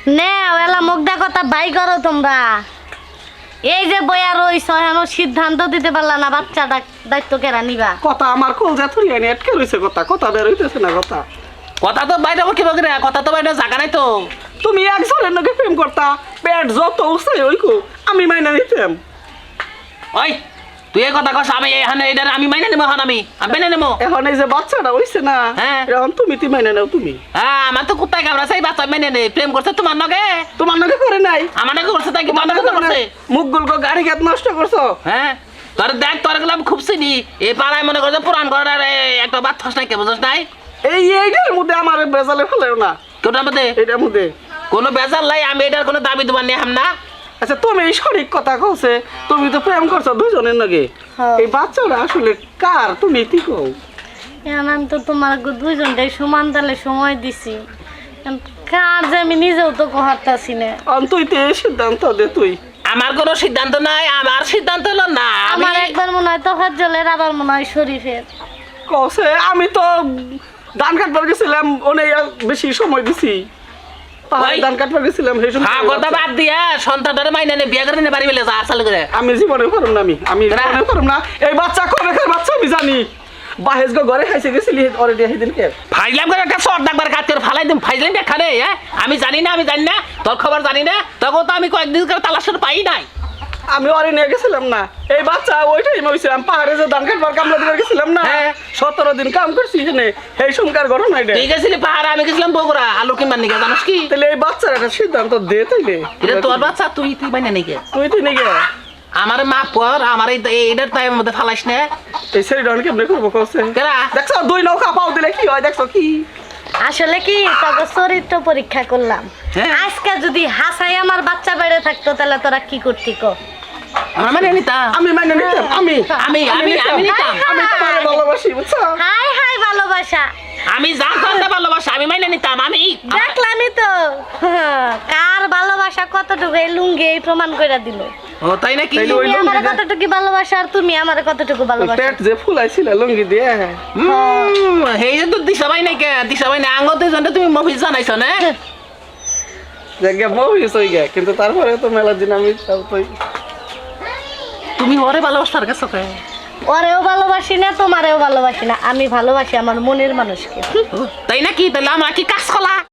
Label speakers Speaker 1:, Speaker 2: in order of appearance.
Speaker 1: নে ওলা মুগ্ধা কথা বাই করো তোমরা। এই যে বইয়া রইছ এখন সিদ্ধান্ত দিতে পারলা না বাচ্চাটা দায়িত্ব কেরা নিবা।
Speaker 2: কথা আমার কলজা থুরিয়া নিয়ে আটকে রয়েছে, কথা বের হইতেছে না।
Speaker 3: কথা তো বাইরে কি বলতে কথা তো বাইরে জায়গা নাই তো।
Speaker 2: তুমি একজনের নাকি প্রেম করতা, পেট যত উঠছে ওইকো আমি মাইনা নিতাম।
Speaker 3: ওই তুই এই কথা কস, আমি এখানে এটা আমি মাইনে নেবো। এখন আমি মেনে নেবো।
Speaker 2: এখন এই যে বাচ্চাটা হইছে না,
Speaker 3: হ্যাঁ
Speaker 2: এখন তুমি মাইনা নাও। তুমি
Speaker 3: হ্যাঁ আমার তো কুত্তায় কামড়াছে, এই বাচ্চা মেনে নেই। প্রেম করছে তোমার নগে,
Speaker 2: তোমার নাকি করে নাই,
Speaker 3: আমার নগে করছে। তাই কি তোমার নগে করছে?
Speaker 2: মুখ গুলকো গাড়ি খেত নষ্ট করছো।
Speaker 3: হ্যাঁ তোর দেখ, তোর গুলো আমি খুব চিনি। এই পাড়ায় মনে করছে পুরান ঘরের একটা বাদ থাস নাই, কে বুঝছ নাই?
Speaker 2: এইটার মধ্যে আমার বেজালে ফেলেও না।
Speaker 3: কোটার মধ্যে
Speaker 2: এটার মধ্যে
Speaker 3: কোনো বেজাল নাই। আমি এটার কোনো দাবি দেবার নেই হাম না।
Speaker 2: আচ্ছা তুমি সঠিক কথা কইছে, তুমি তো প্রেম করছো দুজনের নাকি। এই বাচ্চাটা আসলে কার তুমি কি কও?
Speaker 1: এখন আমি তো তোমার দুইজনটাই সমান তালে সময় দিছি, কার যে আমি নিজেও তো কহারতাছি না।
Speaker 2: তুই তো এই সিদ্ধান্ত দে। তুই
Speaker 3: আমার কোনো সিদ্ধান্ত নাই, আমার সিদ্ধান্ত হলো না।
Speaker 1: আমার একবার মনে হয় তোহার জলের, আবার মনে হয় শরীফের।
Speaker 2: কসে আমি তো ধান কাটবার গেছিলাম, অনেক বেশি সময় দিছি। ধান কাটবার গেছিলাম সেই সময়।
Speaker 3: হ্যাঁ কথা বাদ দিয়া সন্তানটারে মাইনে নে, বিয়ে করে নে, বাড়ি বেলে যা চালু করে।
Speaker 2: আমি জীবনে পারুম না, আমি জীবনে পারুম না। এই বাচ্চা কবে খায় বাচ্চা আমি জানি। বাহেজ ঘরে খাইছে গেছিলি অলরেডি সেদিনকে।
Speaker 3: ফাইলাম করে একটা শর্ট ডাকবার কাটতে ফালাই দিম। ফাইলাম দেখানে হ্যাঁ আমি জানি না, তোর খবর জানি না। তখন তো আমি কয়েকদিন করে তালাশের পাই নাই।
Speaker 2: আমি ওরে নিয়ে গেছিলাম না, এই বাচ্চা ওই টাইমে হয়েছিলাম পাহাড়ে যে ধান কাটবার কামলা দিতে গেছিলাম না। 17 দিন কাম করছি এখানে, এই সুমকার ঘটনা এটা।
Speaker 3: তুই গেছিলি পাহাড়ে, আমি গেছিলাম বগুড়া আলু কিনবার নিকে, জানিস কি?
Speaker 2: তাহলে এই বাচ্চার একটা সিদ্ধান্ত দে। তাইলে
Speaker 3: এটা তোর বাচ্চা, তুই মাইনে নিকে।
Speaker 2: তুই নিকে
Speaker 3: আমার মাপ কর, আমার এইটার টাইমের মধ্যে ফালাইস না।
Speaker 2: এই সেরিডন কেমনে করবো কসে?
Speaker 3: কেরা
Speaker 2: দেখছো 2 নৌকা পাও দিলে কি হয়, দেখছো কি?
Speaker 1: আসলে কি তবে চরিত্র পরীক্ষা করলাম। আজকে যদি হাসাই আমার বাচ্চা বেড়ে থাকতো তাহলে তোরা কি করতি কো?
Speaker 3: আমরা মানে নিতাম।
Speaker 2: আমি মানে নিতাম। আমি
Speaker 3: নিতাম।
Speaker 2: আমি তোমারে ভালোবাসি, বুঝছো?
Speaker 1: হাই হাই ভালোবাসা।
Speaker 3: আমি জানতাম না ভালোবাসা, আমি মাইনে নিতাম। আমি
Speaker 1: দেখলামই তো কার ভালোবাসা কতটুকু এই লুঙ্গি এই প্রমাণ করে দিল।
Speaker 3: ও তাই নাকি?
Speaker 1: তুমি আমার কতটুকু ভালোবাসা আর তুমি আমার কতটুকু ভালোবাসা।
Speaker 2: পেট যে ফুলাইছিল লুঙ্গি দিয়ে।
Speaker 3: হেই যে তো দিশাবাই নাই কে, দিশাবাই নাই আঙ্গতে জন্য তুমি মফিজ জানাইছো না।
Speaker 2: জায়গা মহিস হই গে, কিন্তু তারপরে তো মেলা দিন আমি তাই
Speaker 3: তুমি ওরে ভালোবাসার কাছে কে?
Speaker 1: ওরেও ভালোবাসি না, তোমারেও ভালোবাসি না, আমি ভালোবাসি আমার মনের মানুষকে।
Speaker 3: তাই নাকি? তাহলে আমার কি কাজ কলা?